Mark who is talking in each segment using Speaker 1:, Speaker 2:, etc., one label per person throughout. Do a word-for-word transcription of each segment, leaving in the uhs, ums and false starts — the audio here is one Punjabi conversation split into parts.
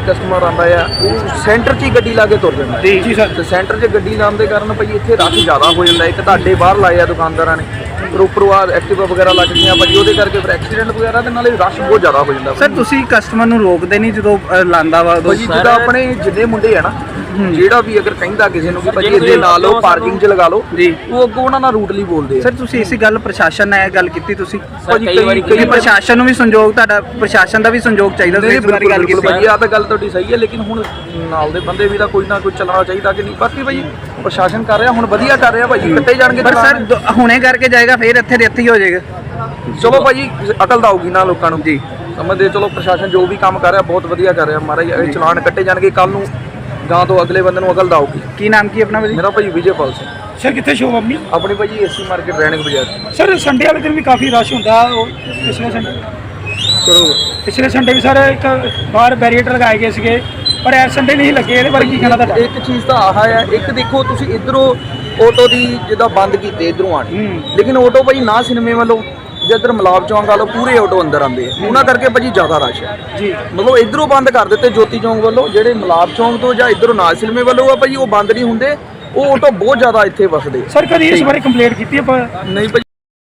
Speaker 1: ਕਸਟਮਰ ਆਉਂਦਾ ਆ ਉਹ ਸੈਂਟਰ 'ਚ ਹੀ ਗੱਡੀ ਲਾ ਕੇ ਤੁਰ ਜਾਂਦਾ
Speaker 2: ਜੀ ਜੀ ਸਰ।
Speaker 1: ਤੇ ਸੈਂਟਰ 'ਚ ਗੱਡੀ ਲਾਉਣ ਦੇ ਕਾਰਨ ਭਾਜੀ ਇੱਥੇ ਰਸ਼ ਜ਼ਿਆਦਾ ਹੋ ਜਾਂਦਾ। ਇੱਕ ਤੁਹਾਡੇ ਬਾਹਰ ਲਾਏ ਆ ਦੁਕਾਨਦਾਰਾਂ ਨੇ, ਪਰ ਉੱਪਰੋਂ ਆ ਐਕਟਿਵਾ ਵਗੈਰਾ ਲੱਗ ਗਈਆਂ ਭਾਜੀ, ਉਹਦੇ ਕਰਕੇ ਫਿਰ ਐਕਸੀਡੈਂਟ ਵਗੈਰਾ ਦੇ ਨਾਲੇ ਰਸ਼ ਬਹੁਤ ਜ਼ਿਆਦਾ ਹੋ ਜਾਂਦਾ।
Speaker 2: ਸਰ ਤੁਸੀਂ ਕਸਟਮਰ ਨੂੰ ਰੋਕਦੇ ਨਹੀਂ ਜਦੋਂ ਅ, ਲਾਂਦਾ ਵਾ ਉਦੋਂ?
Speaker 1: ਭਾਜੀ ਜਿੱਦਾਂ ਆਪਣੇ ਜਿੰਨੇ ਮੁੰਡੇ ਆ ਨਾ, ਜਿਹੜਾ ਵੀ ਅਗਰ ਕਹਿੰਦਾ ਕਿਸੇ ਨੂੰ ਕਿ ਭਾਜੀ ਇੱਥੇ ਲਾ ਲਓ, ਪਾਰਕਿੰਗ 'ਚ ਲਗਾ ਲਓ
Speaker 2: ਜੀ,
Speaker 1: ਉਹ ਅੱਗੋਂ ਉਹਨਾਂ ਨਾਲ ਰੂਟਲੀ ਬੋਲਦੇ ਆ।
Speaker 2: ਸਰ ਤੁਸੀਂ ਇਸੇ ਗੱਲ ਪ੍ਰਸ਼ਾਸਨ ਨਾਲ ਇਹ ਗੱਲ ਕੀਤੀ ਤੁਸੀਂ?
Speaker 1: ਭਾਜੀ ਕਈ ਵਾਰੀ
Speaker 2: ਕਈ ਪ੍ਰਸ਼ਾਸਨ ਨੂੰ ਵੀ ਸੰਯੋਗ, ਤੁਹਾਡਾ ਪ੍ਰਸ਼ਾਸਨ ਦਾ ਵੀ ਸੰਯੋਗ ਚਾਹੀਦਾ ਸੀ, ਇਸ ਬਾਰੇ ਗੱਲ ਕੀਤੀ?
Speaker 1: ਭਾਜੀ ਆ ਤਾਂ ਗੱਲ ਤੁਹਾਡੀ ਸਹੀ ਹੈ, ਲੇਕਿਨ ਹੁਣ ਨਾਲ ਦੇ ਬੰਦੇ ਵੀ ਤਾਂ ਕੋਈ ਨਾ ਕੋਈ ਚੱਲਣਾ ਚਾਹੀਦਾ ਕਿ ਨਹੀਂ। ਬਾਕੀ ਭਾਜੀ ਪ੍ਰਸ਼ਾਸਨ ਕਰ ਰਿਹਾ, ਹੁਣ ਵਧੀਆ ਕਰ ਰਿਹਾ ਭਾਜੀ, ਕੱਟੇ ਜਾਣਗੇ।
Speaker 2: ਪਰ ਸਰ ਹੁਣੇ ਕਰਕੇ ਜਾਏਗਾ ਫਿਰ ਇੱਥੇ ਦੇ ਇੱਥੇ ਹੀ ਹੋ ਜਾਏਗਾ।
Speaker 1: ਚਲੋ ਭਾਜੀ ਅਕਲ ਤਾਂ ਆਊਗੀ ਨਾ ਲੋਕਾਂ ਨੂੰ ਜੀ, ਸਮਝਦੇ। ਚਲੋ ਪ੍ਰਸ਼ਾਸਨ ਜੋ ਵੀ ਕੰਮ ਕਰ ਰਿਹਾ ਬਹੁਤ ਵਧੀਆ ਕਰ ਰਿਹਾ ਮਹਾਰਾਜ, ਇਹ ਚਲਾਨ ਕੱਟੇ ਜਾਣਗੇ ਕੱਲ ਨੂੰ, ਗਾਂ ਤੋਂ ਅਗਲੇ ਬੰਦੇ ਨੂੰ ਅਕਲ ਤਾਂ ਆਊਗੀ।
Speaker 2: ਕੀ ਨਾਮ ਕੀ ਆਪਣਾ ਭਾਜੀ?
Speaker 1: ਮੇਰਾ ਭਾਜੀ ਵਿਜੇਪਾਲ ਸਿੰਘ।
Speaker 3: ਸਰ ਕਿੱਥੇ ਸ਼ੋਅ ਆਪਣੀ?
Speaker 1: ਆਪਣੀ ਭਾਜੀ ਏਸੀ ਮਾਰਕੀਟ ਰੈਣਕ ਬਾਜ਼ਾਰ।
Speaker 3: ਸਰ ਸੰਡੇ ਵਾਲੇ ਦਿਨ ਵੀ ਕਾਫੀ ਰਸ਼ ਹੁੰਦਾ, ਉਹ ਪਿਛਲੇ ਸੰਡੇ
Speaker 1: ਕਰੋ
Speaker 3: ਪਿਛਲੇ ਸੰਡੇ ਵੀ ਸਰ ਇੱਕ ਬਾਹਰ ਬੈਰੀਏਟਰ ਲਗਾਏ ਗਏ ਸੀਗੇ, ਪਰ ਐਸ ਸੰਡੇ ਨਹੀਂ ਲੱਗੇ। ਇਹਦੇ ਬਾਰੇ ਕੀ ਕਹਿਣਾ ਤੁਹਾਡਾ?
Speaker 1: ਇੱਕ ਚੀਜ਼ ਤਾਂ ਆਹ ਆ, ਇੱਕ ਦੇਖੋ ਤੁਸੀਂ ਇਧਰੋਂ ਆਟੋ ਦੀ ਜਿੱਦਾਂ ਬੰਦ ਕੀਤੇ ਇਧਰੋਂ ਆਣ, ਲੇਕਿਨ ਆਟੋ ਭਾਜੀ ਨਾ ਸਿਨੇਮੇ ਵੱਲੋਂ ਜਿੱਧਰ ਮਲਾਬ ਚੌਂਕ ਵਾਲੋ ਪੂਰੇ ਆਟੋ ਅੰਦਰ ਆਉਂਦੇ ਆ, ਉਹਨਾਂ ਕਰਕੇ ਭਾਜੀ ਜ਼ਿਆਦਾ ਰਸ਼ ਹੈ
Speaker 3: ਜੀ।
Speaker 1: ਮਤਲਬ ਇਧਰੋਂ ਬੰਦ ਕਰ ਦਿੱਤੇ ਜੋਤੀ ਚੌਂਕ ਵੱਲੋਂ, ਜਿਹੜੇ ਮਲਾਬ ਚੌਂਕ ਤੋਂ ਜਾਂ ਇਧਰੋਂ ਨਾਲ ਸਿਨੇਮੇ ਵੱਲੋਂ ਆ ਭਾਜੀ ਉਹ ਬੰਦ ਨਹੀਂ ਹੁੰਦੇ, ਉਹ ਆਟੋ ਬਹੁਤ ਜ਼ਿਆਦਾ ਇੱਥੇ ਵਸਦੇ।
Speaker 3: ਸਰ ਕਦੀ ਇਸ ਬਾਰੇ ਕੰਪਲੇਂਟ ਕੀਤੀ ਆਪਾਂ?
Speaker 1: ਨਹੀਂ ਭਾਜੀ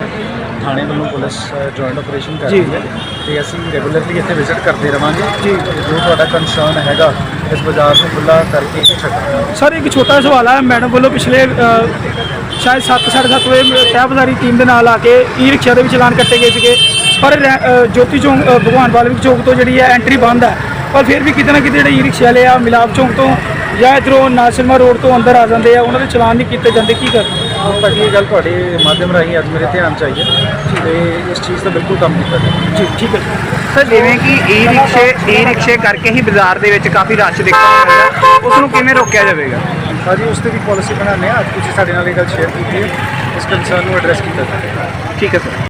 Speaker 4: ਥਾਣੇ ਵੱਲੋਂ ਪੁਲਿਸ ਜੁਆਇੰਟ ਆਪਰੇਸ਼ਨ ਕਰ ਰਹੀ ਹੈ ਤੇ ਅਸੀਂ ਰੈਗੂਲਰਲੀ ਇੱਥੇ ਵਿਜ਼ਿਟ ਕਰਦੇ ਰਵਾਂਗੇ ਜੀ। ਜੋ ਤੁਹਾਡਾ ਕੰਸਰਨ ਹੈਗਾ ਇਸ ਬਾਜ਼ਾਰ ਨੂੰ ਖੁੱਲ੍ਹਾ ਕਰਕੇ ਹੀ ਛੱਡਾਂਗੇ।
Speaker 3: ਸਰ ਇੱਕ ਛੋਟਾ ਸਵਾਲ ਹੈ, ਮੈਡਮ ਵੱਲੋਂ ਪਿਛਲੇ ਅ, ਸ਼ਾਇਦ ਸੱਤ ਸਾਢੇ ਸੱਤ ਵਜੇ ਤਹਿਬਜ਼ਾਰੀ ਟੀਮ ਦੇ ਨਾਲ ਆ ਕੇ ਈ ਰਿਕਸ਼ਾ ਦੇ ਵੀ ਚਲਾਨ ਕੱਟੇ ਗਏ ਸੀਗੇ, ਪਰ ਰੈ- ਅ, ਜੋਤੀ ਚੌਂਕ ਅ, ਭਗਵਾਨ ਵਾਲਮੀਕ ਚੌਂਕ ਤੋਂ ਜਿਹੜੀ ਹੈ ਐਂਟਰੀ ਬੰਦ ਹੈ, ਪਰ ਫਿਰ ਵੀ ਕਿਤੇ ਨਾ ਕਿਤੇ ਜਿਹੜੇ ਈ ਰਿਕਸ਼ਾ ਵਾਲੇ ਆ ਮਿਲਾਪ ਚੌਂਕ ਤੋਂ ਜਾਂ ਇੱਧਰੋਂ ਨਾਸਿਮਾ ਰੋਡ ਤੋਂ ਅੰਦਰ ਆ ਜਾਂਦੇ ਆ, ਉਹਨਾਂ ਦੇ ਚਲਾਨ ਨਹੀਂ ਕੀਤੇ ਜਾਂਦੇ। ਕੀ ਕਰ
Speaker 4: ਭਾਜੀ ਇਹ ਗੱਲ ਤੁਹਾਡੇ ਮਾਧਿਅਮ ਰਾਹੀਂ ਅੱਜ ਮੇਰੇ ਧਿਆਨ ਚ ਆਈ ਹੈ ਤੇ ਇਸ ਚੀਜ਼ ਦਾ ਬਿਲਕੁਲ ਕੰਮ ਕੀਤਾ ਜਾਵੇ।
Speaker 3: ਜੀ ਠੀਕ ਹੈ
Speaker 2: ਸਰ ਜਿਵੇਂ ਕਿ ਈ ਰਿਕਸ਼ੇ ਈ ਰਿਕਸ਼ੇ ਕਰਕੇ ਹੀ ਬਾਜ਼ਾਰ ਦੇ ਵਿੱਚ ਕਾਫੀ ਰਸ਼ ਦੇਖਣ ਨੂੰ ਮਿਲਦਾ, ਉਸ ਨੂੰ ਕਿਵੇਂ ਰੋਕਿਆ ਜਾਵੇਗਾ?
Speaker 4: ਭਾਜੀ ਉਸ ਤੇ ਵੀ ਪਾਲਿਸੀ ਬਣਾਉਂਦੇ ਹਾਂ। ਅੱਜ ਤੁਸੀਂ ਸਾਡੇ ਨਾਲ ਇਹ ਗੱਲ ਸ਼ੇਅਰ ਕੀਤੀ ਹੈ, ਇਸ ਕੰਸਰਨ ਨੂੰ ਐਡਰੈਸ ਕੀਤਾ ਜਾਵੇ।
Speaker 2: ਠੀਕ ਹੈ ਸਰ।